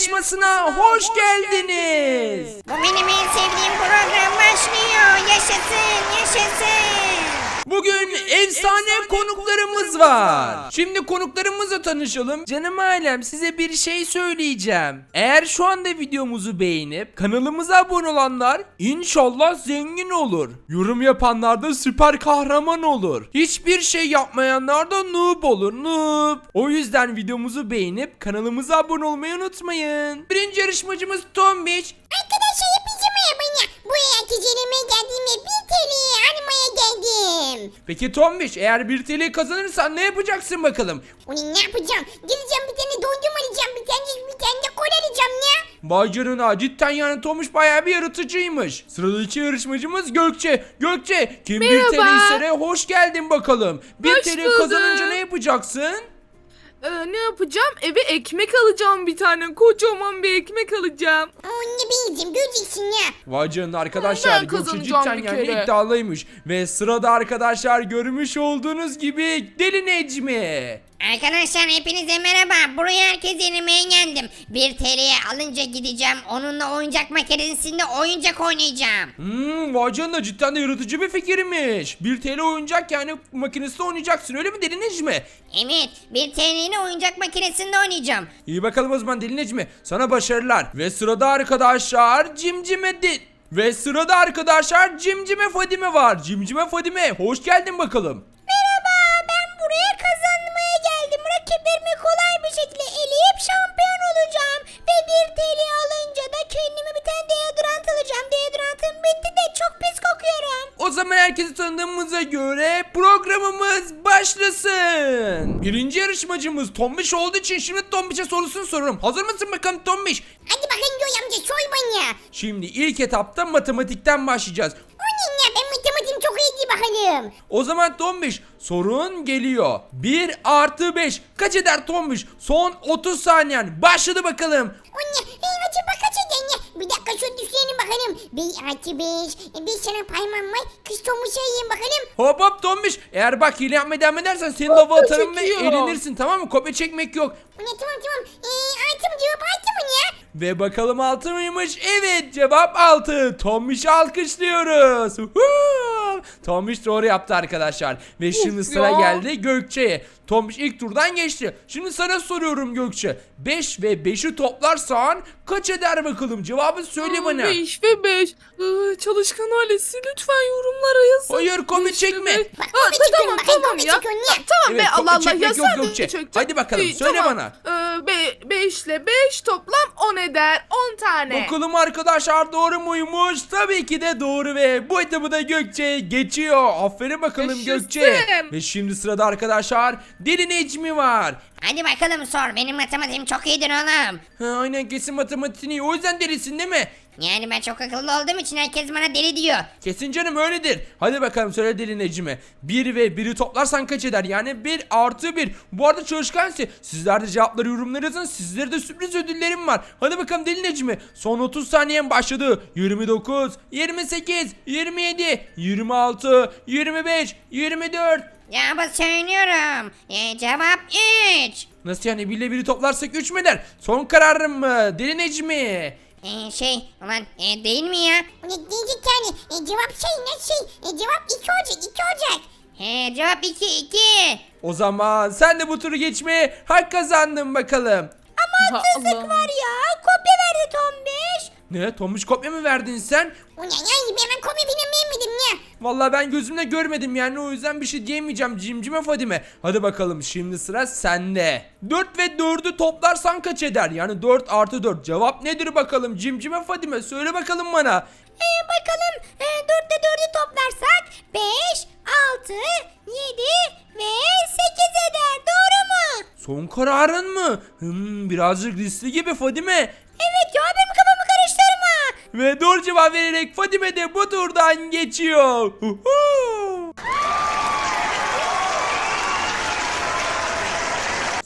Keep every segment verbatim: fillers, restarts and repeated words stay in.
yarışmasına hoş geldiniz. Bu benim en sevdiğim program başlıyor. Yaşasın, yaşasın. Bugün efsane konuklarımız var. Şimdi konuklarımızla tanışalım. Canım ailem, size bir şey söyleyeceğim. Eğer şu anda videomuzu beğenip kanalımıza abone olanlar inşallah zengin olur. Yorum yapanlar da süper kahraman olur. Hiçbir şey yapmayanlar da noob olur. Noob. O yüzden videomuzu beğenip kanalımıza abone olmayı unutmayın. Birinci yarışmacımız Tombiç. Arkadaşlar hepinize merhaba. Bu herkesinime geldiğimde bir T L'ye animaya geldim. Peki Tombiç, eğer bir T L kazanırsan ne yapacaksın bakalım? Onu ne yapacağım? Gideceğim bir tane dondurma alacağım. Bir tane bir tane de kola alacağım ya. Vay canına, cidden yani Tomuş bayağı bir yaratıcıymış. Sıradaki yarışmacımız Gökçe. Gökçe, kim bir T L istere hoş geldin bakalım. Bir Hoş T L bulduk. kazanınca ne yapacaksın? Ee, ne yapacağım? Eve ekmek alacağım bir tane. Kocaman bir ekmek alacağım. Onu bileceğim. Göreceksin ya. Vay canına arkadaşlar, Ben Gökçe kazanacağım cidden bir yani kere. iddialıymış. Ve sırada arkadaşlar görmüş olduğunuz gibi Deli Necmi. Arkadaşlar hepinize merhaba. Buraya herkes yenemeye geldim. bir T L'ye alınca gideceğim. Onunla oyuncak makinesinde oyuncak oynayacağım. Hmm, vay canına, cidden de yaratıcı bir fikirmiş. bir T L oyuncak yani makinesinde oynayacaksın, öyle mi Deli Necmi? Evet, bir T L'yle oyuncak makinesinde oynayacağım. İyi bakalım o zaman Deli Necmi, sana başarılar. Ve sırada arkadaşlar Cimcime Di- Ve sırada arkadaşlar Cimcime Fadime var. Cimcime Fadime, hoş geldin bakalım. Merhaba, ben buraya kazanmaya geldim. Rakiplerimi kolay bir şekilde eleyip şampiyon olacağım. Ve bir T L alınca da kendime bir tane deodorant alacağım. Deodorantım bitti de çok pis kokuyorum. O zaman herkesi tanıdığımıza göre programımız başlasın. Birinci yarışmacımız Tombiş olduğu için şimdi Tombiş'e sorusunu soruyorum. Hazır mısın bakalım Tombiş? Hadi bakın Göğe amca soy bana. Şimdi ilk etapta matematikten başlayacağız. O ne ya, ben matematiğim çok iyi değil bakalım. O zaman Tombiş, sorun geliyor. bir artı beş kaç eder Tombiş? Son otuz saniyen başladı bakalım. O ne? Hey, acaba kaç eden ya? Bir dakika şöyle düşünelim bakalım. bir artı beş. Bir sana paymam var. Kız Tomuş'a yiyeyim bakalım. Hop hop Tombiş, eğer bak hile yapmaya devam edersen seni lava atarım ve çekiyor. elenirsin, tamam mı? Kopya çekmek yok. O ne, tamam tamam. Ee, altı mı cevap, altı mı ya? Ve bakalım altı mıymış? Evet, cevap altı. Tombiş'i alkışlıyoruz. Huhu! Tombiş doğru yaptı arkadaşlar. Ve şimdi sıra ya. geldi Gökçe'ye. Tombiş ilk turdan geçti. Şimdi sana soruyorum Gökçe. beş ve beşi toplarsan kaç eder bakalım? Cevabı söyle bana. beş ve beş. Ee, çalışkan ailesi lütfen yorumlara yazın. Hayır, kopya Beş ve çekme. beş. Bak, Aa, kopya çekiyorum, tamam bakın, tamam kopya ya. çekiyorum ya. Ta- Tamam Evet, be, kopya Allah Allah çekmek ya, yok sen de Gökçe. çekeceksin. Hadi bakalım, İyi, söyle tamam. bana. Ee, be, beş ile beş toplam on eder. on tane. Bakalım arkadaşlar doğru muymuş? Tabii ki de doğru ve bu etabı da Gökçe geçiyor. Aferin bakalım Yaşasın. Gökçe. Ve şimdi sırada arkadaşlar Deli Necmi var. Hadi bakalım sor. Benim matematiğim çok iyidir oğlum. Ha, aynen, kesin matematiğini iyi. O yüzden delisin değil mi? Yani ben çok akıllı olduğum için herkes bana deli diyor. Kesin canım, öyledir. Hadi bakalım söyle Deli Necmi. bir ve biri toplarsan kaç eder? Yani bir artı bir. Bu arada çalışkansı. Sizler de cevapları yorumlara yazın. Sizlere de sürpriz ödüllerim var. Hadi bakalım Deli Necmi. Son otuz saniyen başladı. yirmi dokuz, yirmi sekiz, yirmi yedi, yirmi altı, yirmi beş, yirmi dört. Cevabı söylüyorum. Ee, cevap üç. Nasıl yani, bir ile biri toplarsak üç mü eder? Son kararım mı Deli Necmi? Ee, şey ulan e, değil mi ya? Ne diyecek yani? E, cevap şey ne şey? E, cevap iki olacak, iki olacak. He, cevap iki, iki. O zaman sen de bu turu geçmeye hak kazandın bakalım. Ha, Allah. ya, kopya verdi Tombiş. Ne? Tomuş kopya mı verdin sen? O ne yani, ben kopya falan vermedim ya. Vallahi ben gözümle görmedim yani, o yüzden bir şey diyemeyeceğim Cimcime Fadime. Hadi bakalım, şimdi sıra sende. dört ve dördü toplarsan kaç eder? Yani dört artı dört. Cevap nedir bakalım Cimcime Fadime? Söyle bakalım bana. Ee, bakalım e, dörtte dördü toplarsak beş, altı, yedi ve sekiz eder. Doğru mu? Son kararın mı? Hmm, birazcık riskli gibi Fadime. Evet ya, benim kafamı karıştırma. Ve doğru cevap vererek Fadime de bu turdan geçiyor. Huhu!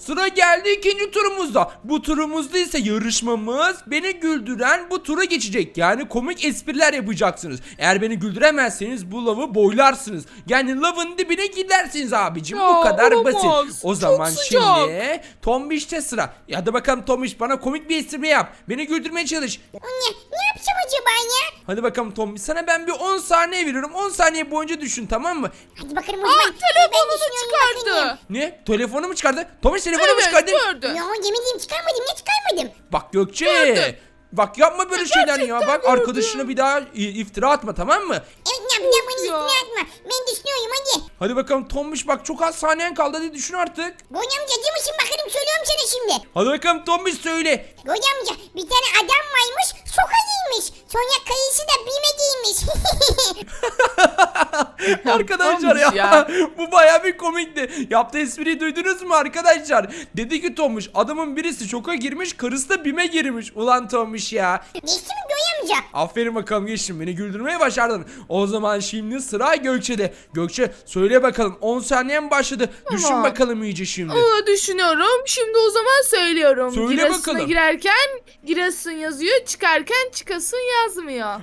Sıra geldi ikinci turumuzda. Bu turumuzda ise yarışmamız beni güldüren bu tura geçecek. Yani komik espriler yapacaksınız. Eğer beni güldüremezseniz bu lavı boylarsınız. Yani lavın dibine gidersiniz abicim. Ya, Bu kadar olamaz. basit. O Çok zaman sıcak. şimdi Tombiş'te sıra. Ya hadi bakalım Tombiş, bana komik bir espri yap. Beni güldürmeye çalış. Anne ne yapacağım acaba ya? Hadi bakalım Tombiş, sana ben bir on saniye veriyorum. on saniye boyunca düşün, tamam mı? Hadi bakalım o Aa, zaman. Ben telefonunu düşünüyorum, çıkardı. bakayım. Ne? Telefonu mu çıkardı? Tombiş telefonu mu Evet çıkardı? gördü. Ya yemin çıkarmadım ne çıkarmadım. Bak Gökçe. Gördüm. Bak yapma böyle şeyler ya. gerçekten Bak gördüm. arkadaşına bir daha i- iftira atma, tamam mı? Evet ne yapacağım bana ya. üstüne atma. Ben düşünüyorum hadi. Hadi bakalım Tombiş, bak çok az saniyen kaldı, hadi düşün artık. Goy amca acı mısın bakalım söylüyorum sana şimdi. Hadi bakalım Tombiş söyle. Goy amca bir tane adam varmış soka giymiş. Sonra kayısı da bime giymiş. Arkadaşlar ya, Tombiş ya. bu bayağı bir komikti. Yaptığı espriyi duydunuz mu arkadaşlar? Dedi ki Tombiş, adamın birisi şoka girmiş, karısı da bime girmiş. Ulan Tombiş ya. Geçti mi Goy amca? Aferin bakalım, geçtin, beni güldürmeyi başardın. O zaman şimdi sıra Gökçe'de. Gökçe söyle bakalım, on saniyen başladı. Düşün Tamam. bakalım iyice şimdi. Aa, düşünüyorum. Şimdi o zaman söylüyorum. Söyle Giresun'a bakalım. girerken Giresun yazıyor. Çıkarken çıkasın yazmıyor.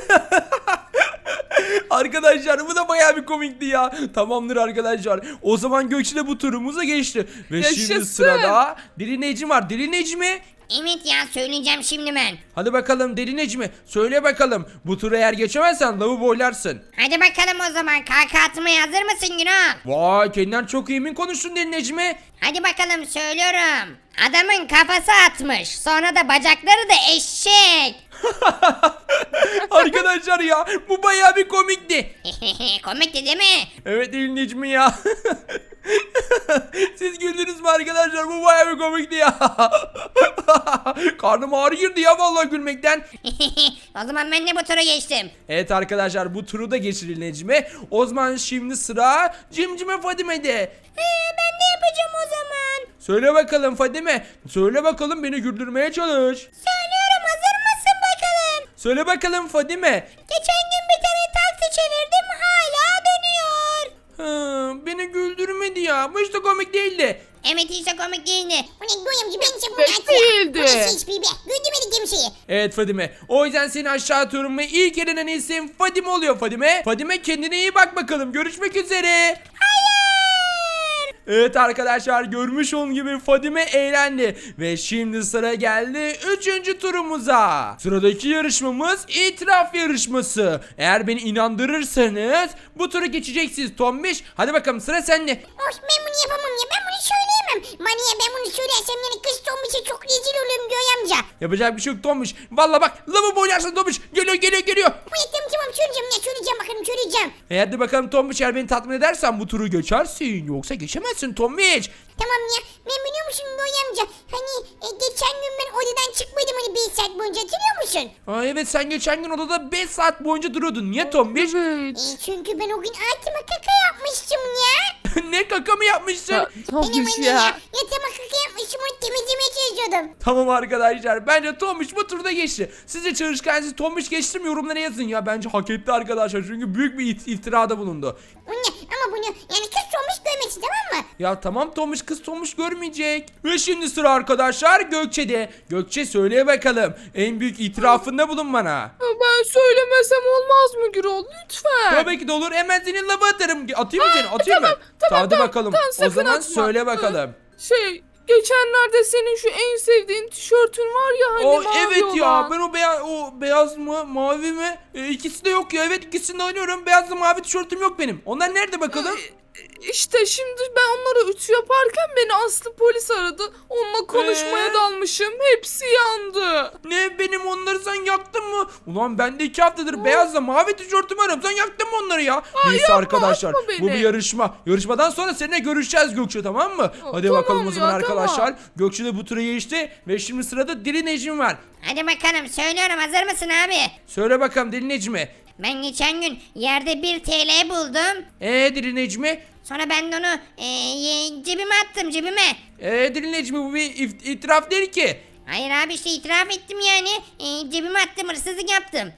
Arkadaşlar bu da bayağı bir komikti ya. Tamamdır arkadaşlar. O zaman Gökçe de bu turumuza geçti. Ve şimdi Yaşasın. sırada Deli Necmi var. Deli Necmi. Evet ya söyleyeceğim şimdi ben. Hadi bakalım Deli Necmi. Söyle bakalım. Bu turu eğer geçemezsen lavı boylarsın. Hadi bakalım o zaman kaka atmaya hazır mısın Günah? Vay, kendinden çok emin konuştun Deli Necmi. Hadi bakalım söylüyorum. Adamın kafası atmış. Sonra da bacakları da eşek. Arkadaşlar ya, bu bayağı bir komikti. Komikti değil mi? Evet Deli Necmi ya. Siz güldünüz mü arkadaşlar? Bu bayağı bir komikti ya. Karnım ağrı girdi ya vallahi gülmekten. O zaman ben de bu tura geçtim. Evet arkadaşlar, bu turu da geçirin Necmi. O zaman şimdi sıra Cimcime Fadime'de. Ee, ben de yapacağım o zaman. Söyle bakalım Fadime. Söyle bakalım, beni güldürmeye çalış. Söylüyorum hazır mısın bakalım? Söyle bakalım Fadime. Geçen gün bir tane taksi çevirdim hala dönüyor. Hı, beni güldürmedi ya. Bu hiç de komik değildi. Evet hiç de komik değildi. Bu ne Goyamcı ben size bunu Pek atacağım. değildi. Bu ne hiçbir be. Güldürmedi kimseyi. Evet Fadime. O yüzden seni aşağı atıyorum ve ilk elenen isim Fadime oluyor Fadime. Fadime kendine iyi bak bakalım. Görüşmek üzere. Evet arkadaşlar, görmüş olduğunuz gibi Fadime eğlendi. Ve şimdi sıra geldi üçüncü turumuza. Sıradaki yarışmamız itiraf yarışması. Eğer beni inandırırsanız bu turu geçeceksiniz Tombiş. Hadi bakalım, sıra sende. Of ben bunu yapamam ya ben bunu söyleyemem. Maniye ben bunu söylersem yani kız Tombiş'e çok rezil olurum Goyamca. Yapacak bir şey yok Tombiş. Valla bak, lavabo boyarsın Tombiş. Geliyor geliyor geliyor. Bu tamam tamam söyleyeceğim ya söyleyeceğim bakalım söyleyeceğim. E hadi bakalım Tombiş, eğer beni tatmin edersen bu turu geçersin. Yoksa geçemezsin Tombiş. Tamam ya ben biliyor musun Goyamca hani e, geçen gün ben odadan çıkmadım hani bir saat boyunca hatırlıyor musun? Aa, evet, sen geçen gün odada beş saat boyunca duruyordun. Niye Tombiş? Evet. E, çünkü ben o gün altıma kaka yapmıştım ya. Ne kaka mı yapmışsın? Ya, Benim Tombiş anne ya. yatağıma kaka yapmışım onu temizlemeye çalışıyordum. Tamam arkadaşlar, bence Tombiş bu turda geçti. Sizce çalışkanınız Tombiş geçti mi, yorumlara yazın ya. Bence hak etti arkadaşlar, çünkü büyük bir it- iftirada bulundu. Anne ama bunu yani kız Tombiş görmesin tamam mı? Ya tamam Tombiş, kız Tombiş görmeyecek. Ve şimdi sıra arkadaşlar Gökçe'de. Gökçe söyle bakalım, en büyük itirafında bulun bana. Ben söylemesem olmaz mı Gürol? Lütfen. Tabii ki de olur, hemen senin lava atarım. Atayım mı seni, atayım tamam, mı? tamam, Hadi tamam, bakalım, tamam, o sakın zaman atma. söyle bakalım. Şey geçenlerde senin şu en sevdiğin tişörtün var ya hani O mavi evet ya, olan. ben o beyaz o beyaz mı mavi mi e, ikisi de yok ya. Evet, ikisini de oynuyorum. Beyazla mavi tişörtüm yok benim. Onlar nerede bakalım? İşte şimdi ben onlara ütü yaparken beni Aslı polis aradı. Onunla konuşmaya Ee? dalmışım. Hepsi yandı. Ne, benim onları sen yaktın mı? Ulan ben de iki haftadır beyazla mavi tişörtümü arıyorum. Sen yaktın mı onları ya? Neyse yapma, arkadaşlar, atma beni. bu bir yarışma. Yarışmadan sonra seninle görüşeceğiz Gökçe, tamam mı? Hadi tamam bakalım o ya, zaman arkadaşlar. tamam. Gökçe de bu tura geçti ve şimdi sırada Deli Necmi var. Hadi bakalım söylüyorum hazır mısın abi? Söyle bakalım Deli Necmi. Ben geçen gün yerde bir T L buldum. Eee Deli Necmi? Sonra ben de onu e, ye- cebime attım cebime. Eee Deli Necmi, bu bir if- itiraf değil ki. Hayır abi işte itiraf ettim yani. E, cebime attım hırsızlık yaptım.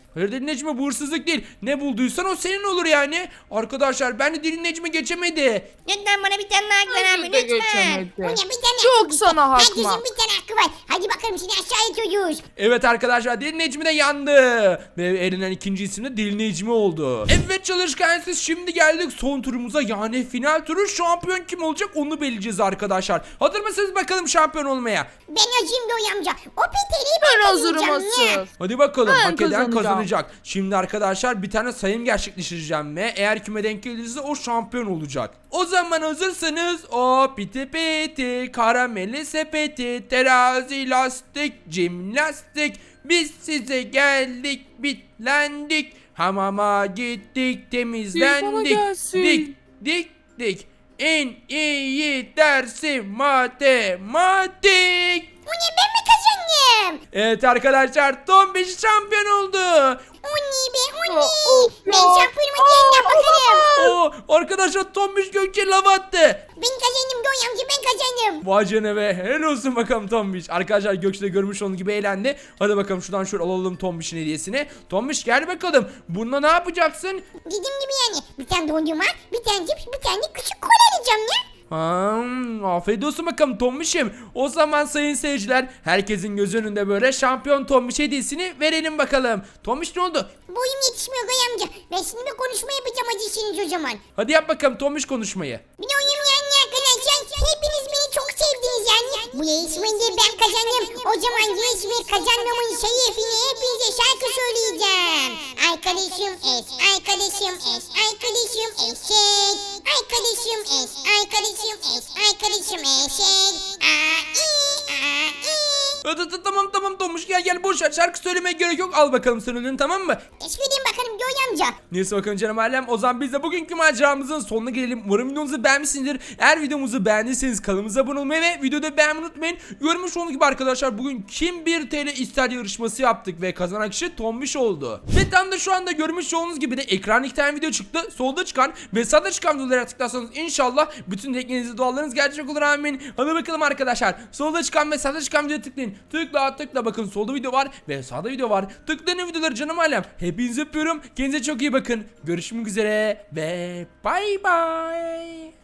Hayır Deli Necmi, bu hırsızlık değil. Ne bulduysan o senin olur yani. Arkadaşlar ben de Deli Necmi geçemedi. Lütfen bana bir tane daha hak ver Bence abi de lütfen. geçemedi. Bu ne, bir tane Çok hakkı sana hak Herkesin var. bir tane hakkı var. Hadi bakalım seni aşağı itiyoruz. Evet arkadaşlar, Deli Necmi de yandı. Ve elenen ikinci isim de Deli Necmi oldu. Evet çalışkan, siz şimdi geldik son turumuza, yani final turu. Şampiyon kim olacak onu belirleyeceğiz arkadaşlar. Hazır mısınız bakalım şampiyon olmaya? Ben acıyım Noy amca. O peteliği Ben ben hazırım kazanacağım ya. asıl. Hadi bakalım, Ben hak eden kazanacağım. kazanacak. Şimdi arkadaşlar bir tane sayım gerçekleştireceğim ve eğer kime denk gelirse o şampiyon olacak. O zaman hazırsanız o piti piti, karameli sepeti, terazi, lastik, jimnastik. Biz size geldik, bitlendik. Hamama gittik, bana temizlendik. gelsin. Dik dik dik. En iyi dersi matematik. O ne, ben mi kazandım? Evet arkadaşlar, Tombiş şampiyon oldu. O ne be o Aa, ne? of Ben ya. şampiyonuma geldim bakalım. Oo, arkadaşlar Tombiş Gökçe lava attı. Ben kazandım Noy amca, ben kazandım. Vay canına be, helal olsun bakalım Tombiş. Arkadaşlar Gökçe de görmüş onun gibi eğlendi. Hadi bakalım şuradan şöyle alalım Tombiş'in hediyesini. Tombiş gel bakalım. Bununla ne yapacaksın? Dediğim gibi yani. Bir tane dondurma, bir tane cips, bir tane de küçük kola alacağım ya. Hmm, afiyet olsun bakalım Tombiş'im. O zaman sayın seyirciler, herkesin göz önünde böyle şampiyon Tombiş hediyesini verelim bakalım. Tombiş ne oldu? Boyum yetişmiyor Noy amca. Ben şimdi bir konuşma yapacağım acısınız o zaman. Hadi yap bakalım Tombiş konuşmayı. Biliyorum yani arkadaşlar, hepiniz beni çok sevdiniz yani. Bu yarışmayı ben kazandım. O zaman yarışmayı kazanmamın şerefine hepinize şarkı söyleyeceğim. Arkadaşım es, arkadaşım es, arkadaşım eşek. Arkadaşım es, arkadaşım es, arkadaşım eşek. Aa, i, aa, i. Hadi, tamam tamam Tombiş, gel gel, boş ver, şarkı söylemeye gerek yok. Al bakalım sen ödülünü, tamam mı? Teşekkür edeyim bakalım Göy amca. Neyse bakalım canım ailem, o zaman biz de bugünkü maceramızın sonuna gelelim. Umarım videomuzu beğenmişsinizdir. Eğer videomuzu beğendiyseniz kanalımıza abone olmayı ve videoda beğenmeyi unutmayın. Görmüş olduğunuz gibi arkadaşlar, bugün kim bir T L ister yarışması yaptık ve kazanan kişi Tombiş oldu. Ve tam da şu anda görmüş olduğunuz gibi de ekran iki tane video çıktı. Solda çıkan ve sağda çıkan videolara tıklarsanız inşallah bütün dilekleriniz, dualarınız gerçek olur, amin. Hadi bakalım arkadaşlar, solda çıkan ve sağda çıkan videoya tıklayın. Tıkla tıkla, bakın solda video var ve sağda video var. Tıklayın videoları canım ailem. Hepinizi öpüyorum. Kendinize çok iyi bakın. Görüşmek üzere ve bay bay.